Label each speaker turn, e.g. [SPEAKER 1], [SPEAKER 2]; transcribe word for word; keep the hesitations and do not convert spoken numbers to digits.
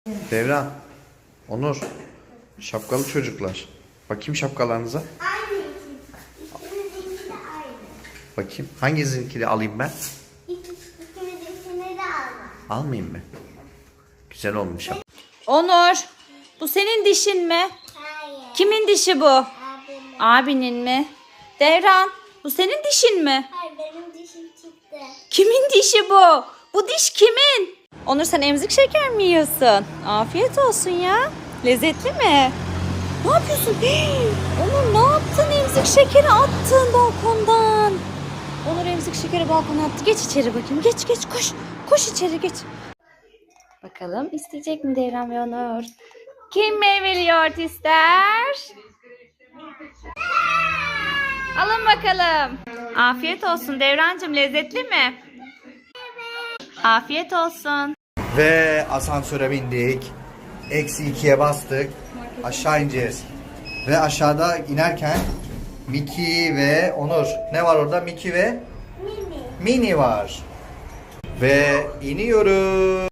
[SPEAKER 1] Devran, Onur, şapkalı çocuklar. Bakayım şapkalarınıza.
[SPEAKER 2] Aynı. İkimizinki de aynı.
[SPEAKER 1] Bakayım hanginizinkini alayım ben?
[SPEAKER 2] İkimizinkini de alma.
[SPEAKER 1] Almayayım mı? Güzel olmuş.
[SPEAKER 3] Onur, bu senin dişin mi?
[SPEAKER 2] Hayır.
[SPEAKER 3] Kimin dişi bu?
[SPEAKER 2] Abimin.
[SPEAKER 3] Abinin mi? Devran, bu senin dişin mi?
[SPEAKER 2] Hayır, benim dişim çıktı.
[SPEAKER 3] Kimin dişi bu? Bu diş kimin? Onur, sen emzik şeker mi yiyorsun? Afiyet olsun ya. Lezzetli mi? Ne yapıyorsun? Hii! Onur, ne yaptın? Emzik şekeri attın balkondan. Onur emzik şekeri balkona attı. Geç içeri bakayım. Geç geç koş. Koş içeri geç. Bakalım isteyecek mi Devran ve Onur? Kim meyveli yoğurt ister? Alın bakalım. Afiyet olsun Devrancığım, lezzetli mi? Afiyet olsun.
[SPEAKER 1] Ve asansöre bindik. Eksi ikiye bastık. Aşağı ineceğiz. Ve aşağıda inerken Miki ve Onur. Ne var orada? Miki ve
[SPEAKER 2] Mini.
[SPEAKER 1] Mini var. Ve iniyoruz.